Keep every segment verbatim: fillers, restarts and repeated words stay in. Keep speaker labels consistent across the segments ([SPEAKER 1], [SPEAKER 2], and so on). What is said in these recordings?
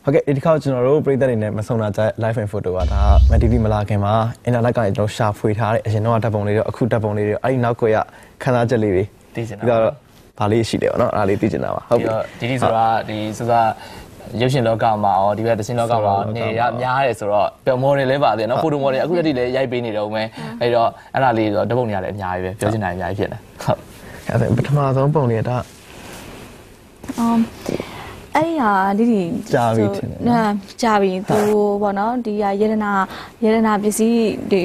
[SPEAKER 1] ဟုတ်ကဲ့ဒီတစ်ခါကျွန်တော်တို့ပြည်သက်တွေနဲ့မဆုံတာကြ live and photo ကဒါမတီတီမလာခင်မှာ internet ကနေကျွန်တော်ရှာဖွေထားတဲ့အရင်တော့ဓာတ်ပုံလေးတွေအခုဓာတ်ပုံလေးတွေအဲ့ဒီနောက်ကွယ်ကခန်းစားချက်လေးတွေ
[SPEAKER 2] သိချင်တာ
[SPEAKER 1] ပြီးတော့ဒါလေးရှိတယ်ပေါ့နော်အဲ့ဒါလေးသိချင်တာပါဟုတ်ပြီ
[SPEAKER 2] ဒီဒီဆိုတာဒီဆိုတာရုပ်ရှင်လောကမှာရောဒီဘက်သင်းလောကမှာနေရများတယ်ဆိုတော့ပျော်မော်တွေလည်းပါတယ်နော်ဖိုတိုမော်တွေအခုတည်းလည်းရိုက်ပေးနေတော့မယ်အဲ့တော့အဲ့ဒါလေးဆိုတော့ဓာတ်ပုံတွေလည်းအများကြီးပဲပြောချင်တာအများကြီးဖြစ်နေဟုတ်
[SPEAKER 1] အဲ့ဒါပထမဆုံးပုံလေးကဒါ
[SPEAKER 3] အမ်အဲ့ဒီဟာဒီဒီ
[SPEAKER 1] ကြာပြီထင်တယ်
[SPEAKER 3] နော်ကြာပြီသူပေါ့နော်ဒီဟာယေရနာယေရနာပစ္စည်းဒီ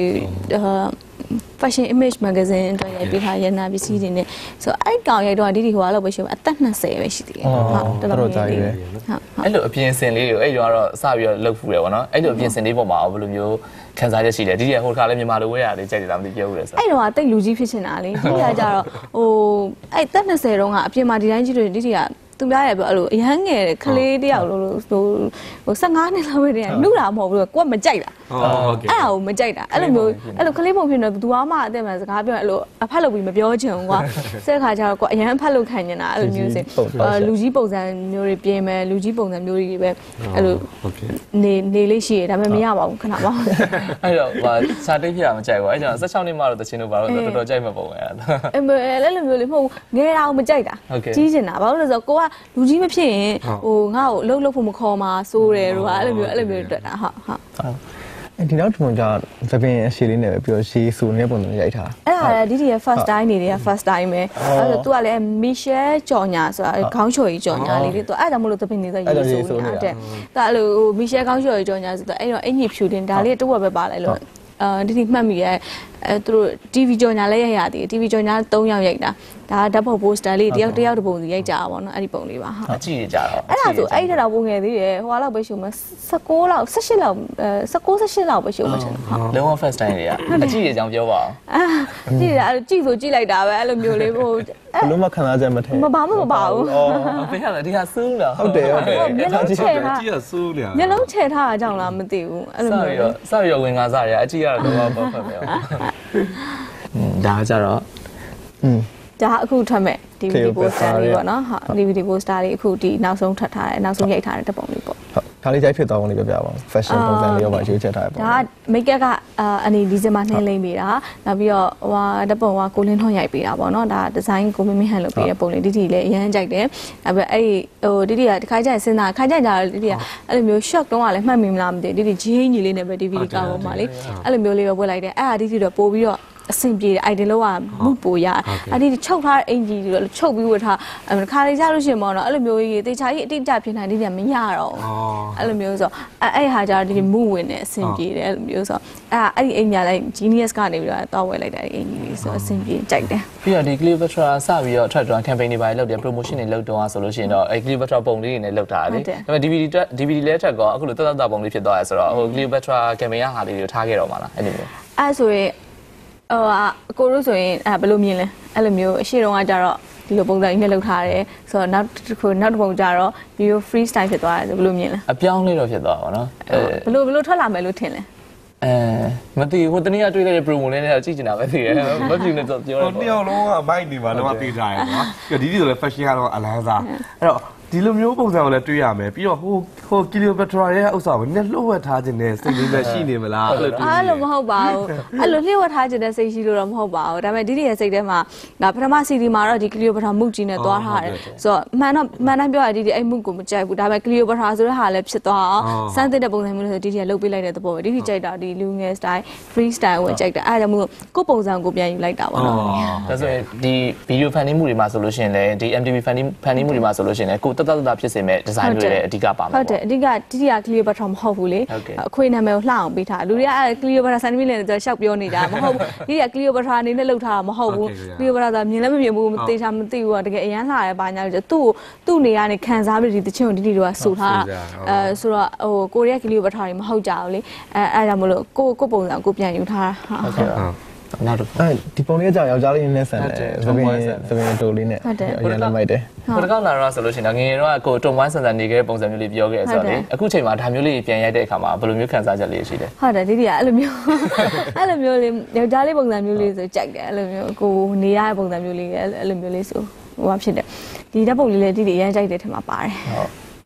[SPEAKER 3] fashion image magazine အတွက်ရိုက်ပေးထားယေရနာပစ္စည်းတွေနဲ့ဆိုအဲ့ကောင်ရိုက်တော့ဒီဒီဟိုကတော့ပဲရှိအသက်20ပဲရှိသေးတယ်
[SPEAKER 1] ဟုတ်တော်တော်ကြာပြီပဲ
[SPEAKER 2] ဟုတ်အဲ့လိုအပြင်စင်လေးတွေကိုအဲ့တော့တော့စပြီးတော့လှုပ်ဖူးတယ်ပေါ့နော်အဲ့လိုအပြင်စင်လေးပေါ်မှာဘယ်လိုမျိုးခံစားချက်ရှိလဲဒီဒီဟိုခါလည်းမြန်မာလိုဝဲရတယ်ကြိုက်တယ်လားမသိပြောဘူးလေဆို
[SPEAKER 3] အဲ့တော့တိတ်လူကြီးဖြစ်နေတာလေဒီကကြတော့ဟိုအဲ့သက်20တုန်းကအပြင်မှာဒီတိုင်းကြီးတွေဒီဒီကသူများရပြောအဲ့လိုအရန်ငယ်တဲ့ကလေးတယောက်လို့ဟိုဟို15နှစ်လောက်ပဲတည်းကနှုတ်တာမဟုတ်ဘူးကိုကမကြိုက်တာ
[SPEAKER 2] ဟုတ်ကဲ့
[SPEAKER 3] အဲ့ဒါကိုမကြိုက်တာအဲ့လိုမျိုးအဲ့လိုကလေးပုံဖြစ်နေဘသူမှအသက်မှစကားပြောအဲ့လိုအဖက်လုပ်ပြီးမပြောချင်ဘူးကွာဆက်ခါကျတော့ကိုအရန်ဖက်လုပ်ခံနေတာအဲ့လိုမျိုးစလူကြီးပုံစံမျိုးတွေပြင်မယ်လူကြီးပုံစံမျိုးတွေပဲအဲ့လိုနေနေလေးရှိရဒါပေမဲ့မရပါဘူးခဏပါ
[SPEAKER 2] အဲ့တော့စာတိတ်ဖြစ်တာမကြိုက်ဘူးအဲ့ကြောင့်16နှစ်မှတော့တချင်းတို့ဘာလို့တော်တော်ကြိုက်မှာပုံပဲအဲ့ဒါ
[SPEAKER 3] အဲ့လိုမျိုးလေးမဟုတ်ငယ်တာကိုမကြိုက်တာကြီးချင်တာဘာလို့လဲဆိုတော့ကိုကလူကြီးမဖြစ်ရင်ဟိုငါ့ကိုလှုပ်လှုပ်ဖို့မခေါ်မှာစိုးတယ်တို့ကအဲ့လိုမျိုးအဲ့လိုမျိုးတွေ့တာဟုတ်ဟုတ်
[SPEAKER 1] ဒီနောက်ထုံကသပင်အရှိလေးနဲ့ပဲပြီးတော့ရှေးဆူနေတဲ့ပုံစံရိုက်ထား
[SPEAKER 3] အဲ့ဒါလည်းဒီဒီရဲ့ first time နေတွေက first time ပဲအဲ့တော့ तू ကလည်း Michelle ကြော်ညာဆိုတာခေါင်းချော်ကြီးကြော်ညာလေးတွေ तू အဲ့ဒါမှမလို့သပင်နေဆိုရေးဆူနေတာတဲ့ तू အဲ့လို Michelle ခေါင်းချော်ကြီးကြော်ညာဆိုတော့အဲ့တော့အင်ကြီးဖြူတင်ဒါလေးတစ်ဝက်ပဲပါလိုက်လို့အာဒီဒီမှတ်မိရဲ့အဲသူတို့ တီဗီ ကြော်ညာလည်းရိုက်ရသေးတယ် တီဗီ ကြော်ညာ၃ယောက်ရိုက်တာဒါဓာတ်ပုံ poster လေးတယောက်တယောက်တစ်ပုံစီရိုက်ကြတာပေါ့နော်အဲ့ဒီပုံလေးပါ
[SPEAKER 2] ဟုတ်အကြည့်ရကြတော့
[SPEAKER 3] အဲ့ဒါဆိုအဲ့ဒါတော့ပုံငယ်သေးတယ်ဟိုလောက်ပဲရှုံမယ်16လောက်18လောက်အဲ16 18လောက်ပဲရှုံမယ်ထင်တယ်
[SPEAKER 2] ဟုတ်လုံးဝ first time တွေကအကြည့်ရကြောင်းပြောပါအောင်
[SPEAKER 3] အာကြည့်ရအဲ့ကြည့်ဆိုကြည့်လိုက်တာပဲအဲ့လိုမျိုးလေးဟို
[SPEAKER 1] ဘလုံးမခံစားချက်မထဲ
[SPEAKER 3] မပါမပါဘူး
[SPEAKER 2] အော်ဘယ်ဟာလဲဒီဟာစူးလား
[SPEAKER 1] ဟုတ်တယ်ဟုတ်တယ်
[SPEAKER 3] မျက်လုံးချဲထား
[SPEAKER 4] ကြည့်ရစူးလေ
[SPEAKER 3] မျက်လုံးချဲထားတာကြောင့်လားမသိဘူးအဲ့လိုမျိုး
[SPEAKER 2] စရရဝင်ကားစားရအကြည့်ရတော့တော့ပေါ့ဖတ်မယ်ဒါကြတော့
[SPEAKER 1] อืม
[SPEAKER 3] ဒါအခုထွက်မဲ့ ဒီ ဗီဒီ poster လေးပေါ့နော်ဟုတ်ဒီ ဗီဒီ poster လေးအခုဒီနောက်ဆုံးထွက်ထားတယ်နောက်ဆုံးရိုက်ထားတဲ့ပုံလေးပေါ့
[SPEAKER 1] ဟုတ်ခါလေးကြိုက်ဖြစ်သွားအောင်လေးပြပြပါဦး fashion ပုံစံလေးရောပါရွေးချက်ထားတယ်ပေါ့
[SPEAKER 3] ဒါက make up ကအနေဒီဇင်ဘာနှင်းလိမ့်ပေးတာနောက်ပြီးတော့ဟိုဟာတပုံကကိုလင်းထွန်းရိုက်ပေးတာပေါ့နော်ဒါ design ကိုမင်းမင်းဟန်လုပ်ပေးတဲ့ပုံလေးဒီဒီလည်းအရန်ကြိုက်တယ်နောက်ပြီးအဲ့ဟိုဒီဒီကတစ်ခါကျရင်စဉ်းစားခါကျရင်ဒါဒီဒီကအဲ့လိုမျိုး shock တုံးကလည်းမှတ်မိမလားမသိဒီဒီဂျင်းကြီးလေးနဲ့ပဲဒီဗီဒီကာပေါ်မှာလေအဲ့လိုမျိုးလေးပဲဝတ်လိုက်တယ်အဲ့ဒါဒီဒီတော့ပို့ပြီးတော့အဆင်ပြေတယ် item လောကမှုပိုရအဲ့ဒီချုပ်ထားတဲ့အင်ဂျီတွေချုပ်ပြီးဝတ်ထားခါလေးကြလို့ရှိရင်ပေါ့နော်အဲ့လိုမျိုးကြီးတေချာကြီးအတိအကျဖြစ်နိုင်တယ်မရတော့အဲ့လိုမျိုးဆိုအဲ့အဲ့ဟာကြတော့ဒီမှုဝင်နေအဆင်ပြေတယ်အဲ့လိုမျိုးဆိုအဲ့အဲ့ဒီအင်ညာလိုက် genius ကနေပြီးတော့တောက်ဝဲလိုက်တာဒီအင်ကြီးဆိုအဆင်ပြေကြိုက်တယ်
[SPEAKER 2] ပြီးတော့ဒီ Cleopatra စပြီးတော့ track down campaign တွေပါလုပ်တယ် promotion တွေလုပ်တော့ဆိုလို့ရှိရင်တော့အဲ့ Cleopatra ပုံလေးတွေနဲ့လုပ်ထားတယ်ဒါပေမဲ့ DVD DVD လဲထက်ကောအခုလိုတက်တက်တာပုံလေးဖြစ်သွားရဲဆိုတော့ဟို Cleopatra campaign ရဟာလေးတွေကိုထားခဲ့တော့မှာလားအဲ့ဒီမျိုး
[SPEAKER 3] အဲ့ဆိုရင်ဟိုအကိုတို့ဆိုရင်အဲဘယ်လိုမြင်လဲအဲ့လိုမျိုးအရှိတုန်းကကြတော့ဒီလိုပုံစံကြီးနဲ့လုပ်ထားတယ်ဆိုတော့နောက်တစ်ခုနောက်တစ်ပုံကြတော့ဒီလို free style ဖြစ်သွားတယ်ဆိုဘယ်လိုမြင်လဲ
[SPEAKER 2] အပြောင်းလေးတော့ဖြစ်သွားပါတော့
[SPEAKER 3] ဘယ်လိုဘယ်လိုထွက်လာမယ်လို့ထင်လဲ
[SPEAKER 2] အဲမသိဟိုတနေ့ကတွေ့လိုက်တဲ့ promo လေးနဲ့ကြည့်ချင်တာပဲသိတယ်မဖြစ်နေတော့ပြော
[SPEAKER 4] တယ်ဟိုနှစ်ယောက်လုံးကအမိုက်နေပါတော့သိကြရတယ်နော်ဒီဒီဆိုလည်း fashion ကတော့အလန်းစားအဲ့တော့ဒီလိုမျိုးပုံစံကိုလည်းတွေ့ရမယ်ပြီးတော့ဟိုဟို Cleopatra ရဲ့ဥစ္စာကိုနည်းလှုပ်ဝက်ထားခြင်းနဲ့စိတ်လေးပဲရှိနေမလား
[SPEAKER 3] အဲ့လိုအဲ့လိုမဟုတ်ပါဘူးအဲ့လိုလှုပ်ဝက်ထားခြင်းနဲ့စိတ်ရှိလို့တော့မဟုတ်ပါဘူးဒါပေမဲ့ဒီဒီရဲ့စိတ်ထဲမှာငါပထမ စီဒီ မှာတော့ဒီ Cleopatra မုတ်ကြီးနဲ့သွားထားတယ်ဆိုတော့မှန်တော့မှန်တိုင်းပြောရဒီဒီအဲ့မုတ်ကိုမကြိုက်ဘူးဒါပေမဲ့ Cleopatra ဆိုတဲ့ဟာလည်းဖြစ်သွားအောင်စမ်းသစ်တဲ့ပုံစံမျိုးလို့ဆိုဒီဒီကလှုပ်ပေးလိုက်တဲ့သဘောပဲဒီဒီကြိုက်တာဒီလူငယ် style free style ကိုကြိုက်တာအဲ့ဒါကြောင့်မို့ကိုပုံစံကိုပြန်ယူလိုက်တာပေါ့နော်
[SPEAKER 2] ဒါဆိုရင်ဒီ video fan မှုတွေမှာဆိုလို့ရှိရင်လည်းဒီ M T V fan fan မှုတွေမှာဆိုလို့ရှိရင်လည်းကိုတတ်တတ်ဖြစ်စေမဲ့ဒီဇိုင်းတွေလည်းအဓိကပါမှာ
[SPEAKER 3] ဟုတ်တယ်အဓိကတိတိက Cleopatra မဟုတ်ဘူးလေအခွေနာမည်ကိုလှအောင်ပေးထားလူတွေကအဲ့ Cleopatra စံသမီးလည်းရှောက်ပြောနေတာမဟုတ်ဘူးဒီက Cleopatra အနေနဲ့လှုပ်ထားတာမဟုတ်ဘူး Cleopatra ဆိုမြင်လည်းမမြင်ဘူးမသိချာမသိဘူးတကယ်အရန်လှရဲပါညာလို့သူ့သူ့နေရာနေခံစားပြီးဒီတချင်းကိုဒီဒီတော့ဆူထားအဲဆိုတော့ဟိုကိုရီးယား Cleopatra တွေမဟုတ်ကြဘူးလေအဲအဲ့ဒါမလို့ကိုကိုပုံစံကိုပြန်ယူထားတာ
[SPEAKER 2] ဟုတ်ကဲ့
[SPEAKER 1] နောက်တော့အဲဒီပုံလေးကြောင့်ယောက်ျားလေးနဲ့ဆန်တယ်သပင်သပင်တိုလေးနဲ့အရင်လည်းမိုက်တယ်
[SPEAKER 2] ဟိုတကောက်လာတော့ဆိုလို့ရှိရင်ငယ်ငယ်တော့ကိုတုံဝိုင်းဆန်ဆန်နေခဲ့တဲ့ပုံစံမျိုးလေးပြောခဲ့ဆိုတော့လေအခုချိန်မှာဒါမျိုးလေးပြန်ရိုက်တဲ့အခါမှာဘယ်လိုမျိုးခံစားချက်လေးရှိလဲ
[SPEAKER 3] ဟုတ်တယ်ဒီဒီကအဲ့လိုမျိုးအဲ့လိုမျိုးလေးယောက်ျားလေးပုံစံမျိုးလေးဆိုကြိုက်တယ်အဲ့လိုမျိုးကိုနေရတဲ့ပုံစံမျိုးလေးအဲ့လိုမျိုးလေးဆိုဟိုဘာဖြစ်တယ်ဒီဓာတ်ပုံလေးလေးဒီဒီအရင်ကြိုက်တဲ့ထင်မှာပါတယ်
[SPEAKER 2] ဟုတ်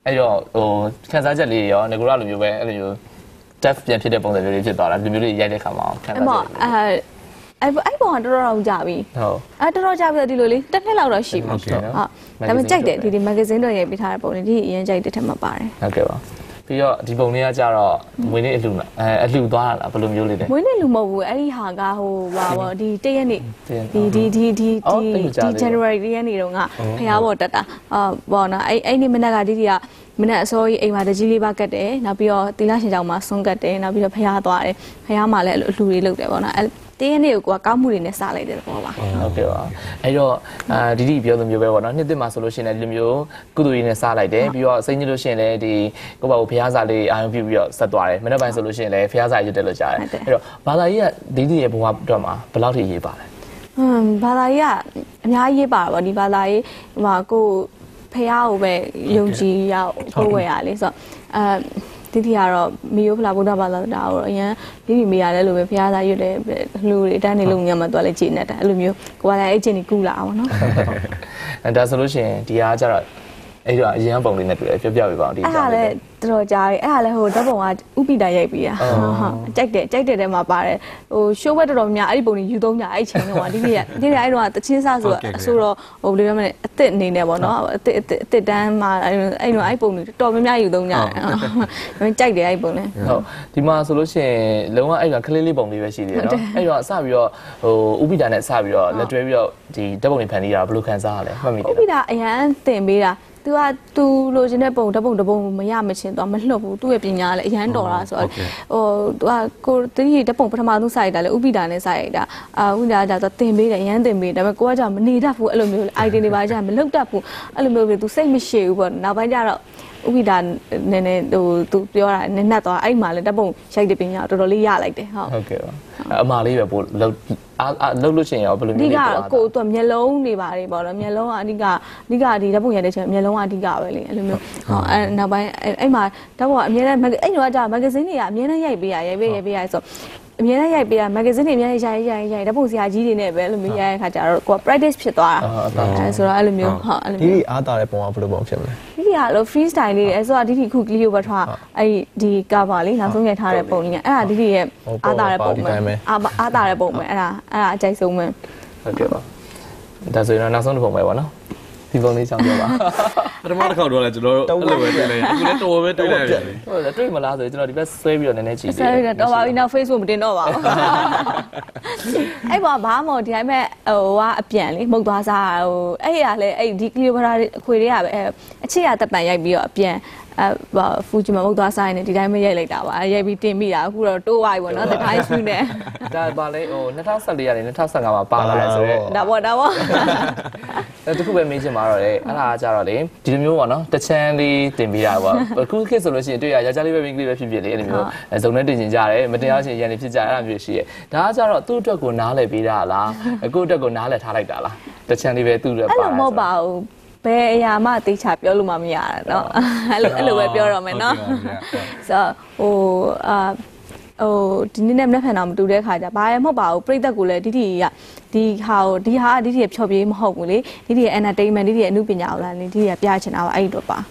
[SPEAKER 2] အဲ့တော့ဟိုခန်းစားချက်လေးရောငကိုရလိုမျိုးပဲအဲ့လိုမျိုး deaf ပြန်ဖြစ်တဲ့ပုံစံမျိုးလေးဖြစ်သွားတာဒီမျိုးလေးရိုက်တဲ့ခါမှာခန်းစားချက်
[SPEAKER 3] အဲ့အဲ့ပုံကတော်တော်ကြာပြီဟုတ်အဲ့တော်တော်ကြာပြီဒီလိုလေးတစ်နှစ်လောက်တော့ရှိပြီဟုတ်ဒါပေမဲ့ကြိုက်တယ်ဒီဒီ magazine တော့ရေးပေးထားတဲ့ပုံလေးဒီအရင်ကြိုက်တဲ့ထက်မှာပါတယ်
[SPEAKER 2] ဟုတ်ကဲ့ပါပြီးတော့ဒီပုံလေးကကြတော့မွေးနေ့အလှအဲအလှသွားတာလားဘယ်လိုမျိုးလေးလဲ
[SPEAKER 3] မွေးနေ့လူမဟုတ်ဘူးအဲ့ဒီဟာကဟိုပါပေါ့ဒီတရက်နေ့ဒီဒီဒီဒီဒီ January ရက်နေ့တုန်းကဖျားပေါ်တက်တာအာပေါ့နော်အဲ့အဲ့နေ့မနက်ကဒီဒီကမနက်အစောကြီးအိမ်မှာတကြီးလေးပါကတ်တယ်နောက်ပြီးတော့တီလာရှင်ကြောင်မှာဆွန်းကတ်တယ်နောက်ပြီးတော့ဖျားသွားတယ်ဖျားမှာလည်းအလှတွေလုပ်တယ်ပေါ့နော်အဲ့တင်းရနေ့ကိုကကောက်မှုတွေနဲ့စားလိုက်တယ်ပေါ့ပါ
[SPEAKER 2] ဟုတ်ကဲ့ပါအဲ့တော့အာဒီဒီပြောလိုမျိုးပဲပေါ့နော်နှစ်သက်မှာဆိုလို့ရှိရင်လည်းဒီလိုမျိုးကုသိုလ်ရေးနဲ့စားလိုက်တယ်ပြီးတော့စိတ်ညစ်လို့ရှိရင်လည်းဒီကိုယ့်ဘာကိုဖျားစာလေးအာရုံပြုပြီးတော့ဆက်သွားတယ်မနေ့ပိုင်းဆိုလို့ရှိရင်လည်းဖျားစာရွတ်တယ်လို့ကြားတယ်အဲ့တော့ဘာသာရေးကဒီဒီရဲ့ဘဝအတွက်မှာဘယ်လောက်ထိရေးပါလဲ
[SPEAKER 3] ဟွန်းဘာသာရေးကအများကြီးရေးပါပါဒီဘာသာရေးဟိုမှာကိုဖျားကိုပဲယုံကြည်ရကိုဝယ်ရလေဆိုတော့အဲဒီတီကတော့မီယိုဖလာဗုဒ္ဓဘာသာတာကိုအရင်ဒီဒီမေရတယ်လို့ပဲဖျားသားရွတ်တယ်လူတွေတန်းနေလို့ညမှာသွားလဲကြည်နေတာအဲ့လိုမျိုးကိုကလည်းအဲ့ချင်းကြီးကူလာအောင်နော်
[SPEAKER 2] အဲဒါဆိုလို့ရှိရင်ဒီအားကျတော့အဲ့တော့အရင်ပုံလေးနဲ့တွေ့တယ်ပြောပြပြပါအောင်ဒီ
[SPEAKER 3] အဲ့ဒါလည်းတော်တော်ကြားတယ်အဲ့ဒါလည်းဟိုဓာတ်ပုံကဥပိတာရိုက်ပြီးတာဟုတ်ကြိုက်တယ်ကြိုက်တယ်တဲမှာပါတယ်ဟိုရှိုးဘက်တော်တော်များအဲ့ဒီပုံကြီးယူသုံးကြအဲ့ချိန်တော့ဒီနေ့ကဒီနေ့အဲ့တော့တချင်းစားဆိုတော့အဆိုတော့ဟိုဘယ်လိုပြောမလဲအစ်စ်အနေနဲ့ပေါ့နော်အစ်စ်အစ်စ်တန်းမှာအဲ့အဲ့တော့အဲ့ပုံတွေတော်များများယူသုံးကြတယ်ဟုတ်ကြိုက်တယ်အဲ့ပုံလည်း
[SPEAKER 2] ဟုတ်ဒီမှာဆိုလို့ရှိရင်လုံးဝအဲ့ကကလေးလေးပုံလေးပဲရှိသေးတယ်နော်အဲ့တော့စပြီးတော့ဟိုဥပိတာနဲ့စပြီးတော့လက်တွဲပြီးတော့ဒီဓာတ်ပုံတွေဖန်တီးတာဘယ်လိုခံစားရလဲမှတ်မိတယ်
[SPEAKER 3] ဥပိတာအရန်တင်ပေးတာသူကသူလိုချင်တဲ့ပုံတပုံတပုံမရမချင်းတော့မလှုပ်ဘူးသူ့ရဲ့ပညာလည်းအရန်တော်တာဆိုတော့ဟိုသူကကိုတတိတပုံပထမဆုံးစိုက်တာလေဥပိတာနဲ့စိုက်တာအာဥပိတာကတော့တင်ပေးတယ်အရန်တင်ပေးဒါပေမဲ့ကိုကကြောင့်မနေတတ်ဘူးအဲ့လိုမျိုး item တွေပါကြမလှုပ်တတ်ဘူးအဲ့လိုမျိုးပဲသူစိတ်မရှိဘူးပေါ့နောက်ပိုင်းကျတော့ဥပိတာနည်းနည်းဟိုသူပြောတာနည်းနက်သွားအဲ့မှာလည်းတပုံရိုက်တဲ့ပညာတော်တော်လေးရလိုက်တယ်ဟုတ်
[SPEAKER 2] ဟုတ်ကဲ့ပါအမှားလေးပဲပို့လှုပ်အာလှုပ်လို့ရှိရင်ရောဘယ်လိုမျိုး
[SPEAKER 3] လဲပေါ့ဒီကကိုသူမျက်လုံးတွေပါတယ်ပေါ့နော်မျက်လုံးကအဓိကအဓိကဒီဓာတ်ပုံရတဲ့ချိန်မျက်လုံးကအဓိကပဲလေအဲ့လိုမျိုးဟောအဲ့နောက်ပိုင်းအဲ့မှာဓာတ်ပုံကအများနဲ့အဲ့ညကကြာမဂ္ဂဇင်းတွေကအများနဲ့ရိုက်ပေးရရိုက်ပေးရိုက်ပေးရဆိုအများနဲ့ရိုက်ပေးရမဂ္ဂဇင်းတွေအများနဲ့ရိုက်ရိုက်ရိုက်ဓာတ်ပုံဆရာကြီးတွေနဲ့ပဲအဲ့လိုမျိုးရိုက်ရခါကျတော့ကိုက practice ဖြစ်သွားတာအဲဆိုတော့အဲ့လိုမျိုးဟုတ်အဲ့လို
[SPEAKER 1] မျိုးဒီအားတာတဲ့ပုံကဘယ်လိုပုံဖြစ်မလဲ
[SPEAKER 3] ဒီကလို့ free style လေးအဲ့ဆိုတော့ဒီဒီခု Cleopatra အဲ့ဒီ cover လေးနောက်ဆုံးရိုက်ထားတဲ့ပုံလေးအဲ့ဒါဒီဒီရဲ့အားတာတဲ့ပုံပဲအားအားတာတဲ့ပုံပဲအဲ့ဒါအဲ့ဒါအကြိုက်ဆုံးပဲ
[SPEAKER 2] ဟုတ်ကဲ့ပါဒါဆိုရင်နောက်ဆုံးတစ်ပုံပဲပေါ့နော်ဒီပုံလေးချောင်းပြောပါ
[SPEAKER 4] ပထမတစ်ခေါက်တော့လဲကျွန်တော်တို့အဲ့လိုပဲတွေ့လိုက်အခုလည်းတော်ပဲတွေ့လိုက်ပြီ
[SPEAKER 2] ဟုတ်တယ်တွေ့မလားဆိုကျွန်တော်ဒီဘက်ဆွဲပြီးတော့နည်းနည်းကြည့်
[SPEAKER 3] တယ်ဆွဲပြီးတော့တော်ပါပြီနောက် Facebook မတင်တော့ပါဘူးအဲ့ပေါ်ဘာမှဒီတိုင်းမဲ့ဟိုကအပြန်လေမှုတ်သွားစားဟိုအဲ့ရလဲအဲ့ဒီ Cleopatra အခွေတွေကပဲအချစ်ရတက်ပံရိုက်ပြီးတော့အပြန်အဲဖူဂျီမမုတ်သွားဆိုင်နေဒီတိုင်းမရိုက်လိုက်တာပါရိုက်ပြီးတင်မိတာအခုတော့တိုးသွားပြီပေါ့နော်တတိုင်းရှူနေ
[SPEAKER 2] ဒါပါလေဟို၂၀၁၄ကနေ၂၀၁၅မှာပါလာတယ်ဆိုတော့
[SPEAKER 3] ဒါပေါ့ဒါပေါ့
[SPEAKER 2] အဲတခုပဲမေးချင်ပါတော့လေအဲ့ဒါကကြတော့လေဒီလိုမျိုးပေါ့နော်တချမ်းလေးတင်ပေးတာပေါ့အခုခေတ်ဆိုလို့ရှိရင်တွေ့ရယောက်ျားလေးပဲမိန်းကလေးပဲဖြစ်ဖြစ်လေအဲ့လိုမျိုးဇုံနဲ့တင်ချင်ကြတယ်မတင်ရချင်းရန်နေဖြစ်ကြအဲ့လိုမျိုးရှိရဲဒါကကြတော့သူ့အတွက်ကိုနားလည်ပေးတာလားအခုအတွက်ကိုနားလည်ထားလိုက်တာလားတချမ်းလေးပဲသူ့အတွက်ပါ
[SPEAKER 3] အဲ့လိုမဟုတ်ပါဘူးဘယ်အရာမှသိချပြောလို့မှမရတာเนาะအဲ့လိုအဲ့လိုပဲပြောတော့မယ်เนาะဆိုတော့ဟိုအာဟိုဒီနေ့နဲ့မနေ့ဖန်တော့မတူတဲ့ခါကျဘာရမဟုတ်ပါဘူးပြိသက်ကိုလည်းဒီဒီကဒီဟာကိုဒီဟာဒီဒီဖြော်ပြေးမဟုတ်ဘူးလေဒီဒီရဲ့ entertainment ဒီဒီရဲ့အမှုပညာကိုလည်းဒီဒီကပြချင်တာပါအဲ့ဒီတော့ပါ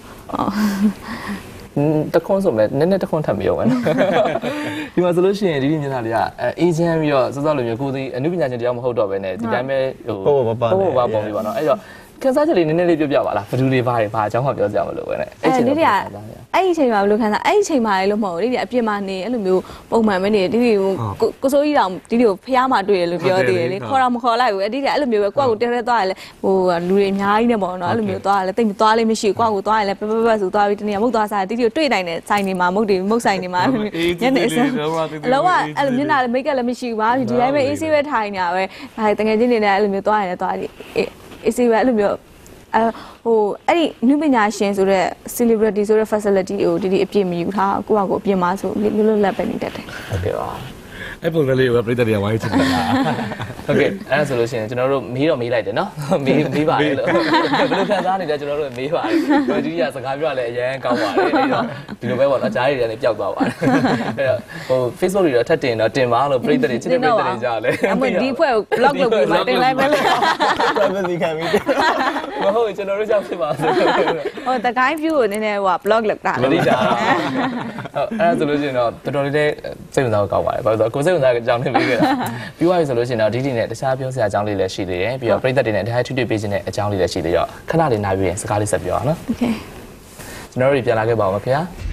[SPEAKER 2] တခွန်းဆိုမဲ့နည်းနည်းတခွန်းထပ်မရောပဲဒီမှာဆိုလို့ရှိရင်ဒီဒီမျက်နှာလေးကအေဂျင့်ပြီးတော့စောစောလိုမျိုးကိုဒီအမှုပညာရှင်တရားမဟုတ်တော့ပဲねဒီတိုင်းပဲ
[SPEAKER 1] ဟိုဟို
[SPEAKER 2] ဘာဘာပုံပြီးပါတော့အဲ့တော့ခန်းစားချက်လေးနည်းနည်းလေးပြောပြပါလားဘယ်သူတွေဘာတွေဘာအကြောင်းမှပြောကြမလို့ပဲね
[SPEAKER 3] အဲ့ချိန်ဒီဒီကအဲ့ဒီချိန်မှာဘယ်လိုခန်းစားအဲ့ဒီချိန်မှာလေလို့မဟုတ်ဘူးဒီဒီအပြစ်မှာနေအဲ့လိုမျိုးပုံမှန်ပဲနေဒီဒီကိုကိုစိုးကြီးတောင်ဒီဒီကိုဖျားမှတွေ့တယ်လို့ပြောသေးတယ်လေခေါ်တော့မခေါ်လိုက်ဘူးအဲ့ဒီကအဲ့လိုမျိုးပဲကိုယ့်ကိုတဲတဲသွားရလဲဟိုလူတွေအများကြီးနေပေါ့နော်အဲ့လိုမျိုးသွားရလဲတိတ်မသွားလေးမရှိဘူးကိုယ့်ကိုသွားရလဲပပပဆိုသွားပြီးတနေ့မုတ်သွားစားဒီဒီကိုတွေ့နိုင်တဲ့ဆိုင်နေမှာမုတ်တွေမုတ်ဆိုင်နေမှာညနေအစလောကအဲ့လိုမျက်နှာလည်းမိတ်ကလည်းမရှိဘူးပါဒီတိုင်းပဲအေးဆေးပဲထိုင်နေတာပဲဒါတကယ်ချင်းနေနဲ့အဲ့လိုမျိုးသွားရလဲသွားဒီအေးဆေးပဲအဲ့လိုမျိုးအဟိုအဲ့ဒီနုပညာရှင်ဆိုတဲ့ celebrity ဆိုတဲ့ facility ကိုဒီဒီအပြည့်မယူထားကိုယ့်ဟာကိုယ်အပြည့်မဆိုလွတ်လွတ်လပ်ပဲနေတတ်တယ်
[SPEAKER 2] ဟုတ်ကဲ့ပါ
[SPEAKER 4] အဲ့ပုံစံလေးကိုပြည်သက်တွေကဝိုင်းချင်တယ်လား
[SPEAKER 2] ဟုတ်ကဲ့အဲ့ဒါဆိုလို့ရှိရင်ကျွန်တော်တို့မေးတော့မေးလိုက်တယ်နော်မေးမေးပါတယ်လို့ဘယ်လိုခံစားနေလဲကျွန်တော်တို့မေးပါတယ်ကိုကြီးကစကားပြောရလဲအရင်ကောင်းပါတယ်အဲ့တော့ဒီလိုပဲပေါ့နော်ကြားရည်တွေလည်းပျောက်သွားပါတယ်အဲ့တော့ဟို Facebook တွေတော့ထပ်တင်တော့တင်ပါလို့ပြည်သက်တွေချစ်တဲ့ပြည်သက်တွေကြားလဲ
[SPEAKER 3] အမဒီဖွဲ့ကို block လုပ်ပြီးမှတင်လိုက်မယ်လေ
[SPEAKER 1] privacy ခံပြီး
[SPEAKER 2] မဟုတ်ကျွန်တော်တို့ကြောက်ဖြစ်ပါဆို
[SPEAKER 3] ဟိုတကိုင်း view ကိုနည်းနည်းဟို block လုပ်တာ
[SPEAKER 2] မလိတာဟုတ်အဲ့ဒါဆိုလို့ရှိရင်တော့တော်တော်လေးစိတ်ဝင်စားကောက်ပါတယ်ဘာလို့ဆိုတော့ကိုစိတ်ဝင်စားအကြောင်းလေးပေးခဲ့တာပြီးသွားပြီဆိုလို့ရှိရင်တော့ဒီဒီနဲ့တခြားပြောစရာအကြောင်းလေးလည်းရှိသေးတယ်ပြီးတော့ပြည်သက်တွေနဲ့တခြားထွေထွေပေးခြင်းတဲ့အကြောင်းလေးလည်းရှိသေးတော့ခဏလေးနားပြီးရင်စကားလေးဆက်ပြောအောင်နော်
[SPEAKER 3] Okay
[SPEAKER 2] ကျွန်တော်တို့ပြန်လာခဲ့ပါဦးမခင်ဗျာ